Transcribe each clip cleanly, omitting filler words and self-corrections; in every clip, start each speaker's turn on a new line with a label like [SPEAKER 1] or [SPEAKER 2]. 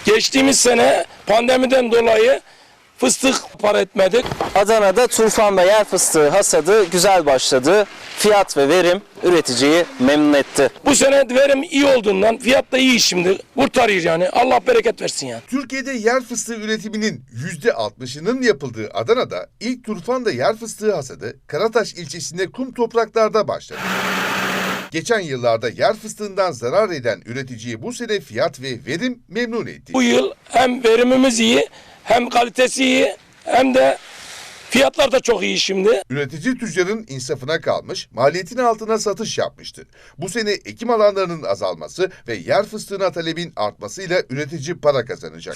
[SPEAKER 1] Geçtiğimiz sene pandemiden dolayı fıstık para etmedik.
[SPEAKER 2] Adana'da turfan ve yer fıstığı hasadı güzel başladı. Fiyat ve verim üreticiyi memnun etti.
[SPEAKER 1] Bu sene verim iyi olduğundan fiyat da iyi şimdi. Kurtarıyor yani. Allah bereket versin ya.
[SPEAKER 3] Türkiye'de yer fıstığı üretiminin %60'ının yapıldığı Adana'da ilk turfanda yer fıstığı hasadı Karataş ilçesinde kum topraklarda başladı. Geçen yıllarda yer fıstığından zarar eden üreticiyi bu sene fiyat ve verim memnun etti.
[SPEAKER 1] Bu yıl hem verimimiz iyi, hem kalitesi iyi, hem de fiyatlar da çok iyi şimdi.
[SPEAKER 3] Üretici tüccarın insafına kalmış, maliyetin altına satış yapmıştı. Bu sene ekim alanlarının azalması ve yer fıstığına talebin artmasıyla üretici para kazanacak.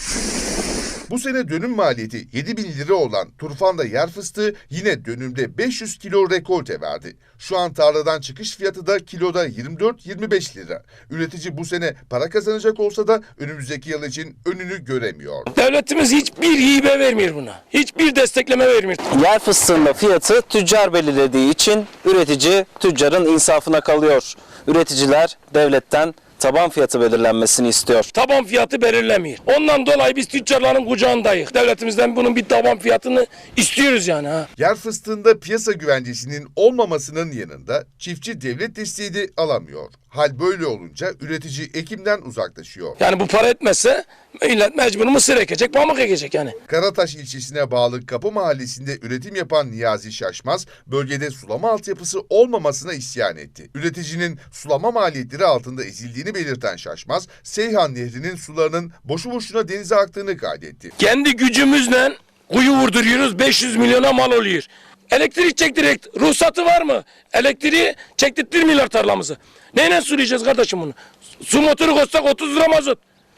[SPEAKER 3] Bu sene dönüm maliyeti 7.000 lira olan turfanda yer fıstığı yine dönümde 500 kilo rekolte verdi. Şu an tarladan çıkış fiyatı da kiloda 24-25 lira. Üretici bu sene para kazanacak olsa da önümüzdeki yıl için önünü göremiyor.
[SPEAKER 1] Devletimiz hiçbir hibe vermiyor buna. Hiçbir destekleme vermiyor.
[SPEAKER 2] Yer fıstığında fiyatı tüccar belirlediği için üretici tüccarın insafına kalıyor. Üreticiler devletten taban fiyatı belirlenmesini istiyor.
[SPEAKER 1] Taban fiyatı belirlemiyor. Ondan dolayı biz tüccarların kucağındayız. Devletimizden bunun bir taban fiyatını istiyoruz yani.
[SPEAKER 3] Yer fıstığında piyasa güvencesinin olmamasının yanında çiftçi devlet desteği de alamıyor. Hal böyle olunca üretici ekimden uzaklaşıyor.
[SPEAKER 1] Yani bu para etmezse millet mecbur mısır ekecek, pamuk ekecek yani.
[SPEAKER 3] Karataş ilçesine bağlı Kapı Mahallesi'nde üretim yapan Niyazi Şaşmaz, bölgede sulama altyapısı olmamasına isyan etti. Üreticinin sulama maliyetleri altında ezildiğini belirten Şaşmaz, Seyhan Nehri'nin sularının boşu boşuna denize aktığını kaydetti.
[SPEAKER 1] Kendi gücümüzle kuyu vurduruyoruz, 500 milyona mal oluyor. Elektrik çektirek ruhsatı var mı? Elektriği çektirtmiyorlar tarlamızı. Neyle sulayacağız kardeşim bunu? Su motoru koysak 30 lira mazot.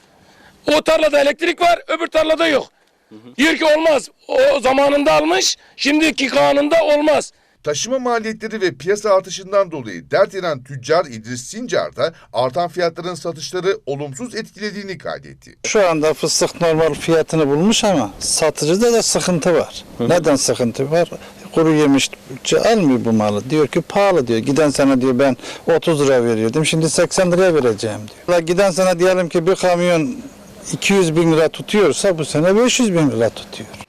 [SPEAKER 1] O tarlada elektrik var, öbür tarlada yok. Diyor ki olmaz. O zamanında almış, şimdiki kanunda olmaz.
[SPEAKER 3] Taşıma maliyetleri ve piyasa artışından dolayı dert yanan tüccar İdris Sincar da artan fiyatların satışları olumsuz etkilediğini kaydetti.
[SPEAKER 4] Şu anda fıstık normal fiyatını bulmuş ama satıcıda da sıkıntı var. Neden sıkıntı var? Kuru yemişçi almıyor bu malı. Diyor ki pahalı diyor. Giden sene diyor ben 30 lira veriyordum. Şimdi 80 liraya vereceğim diyor. Giden sene diyelim ki bir kamyon 200 bin lira tutuyorsa bu sene 500 bin lira tutuyor.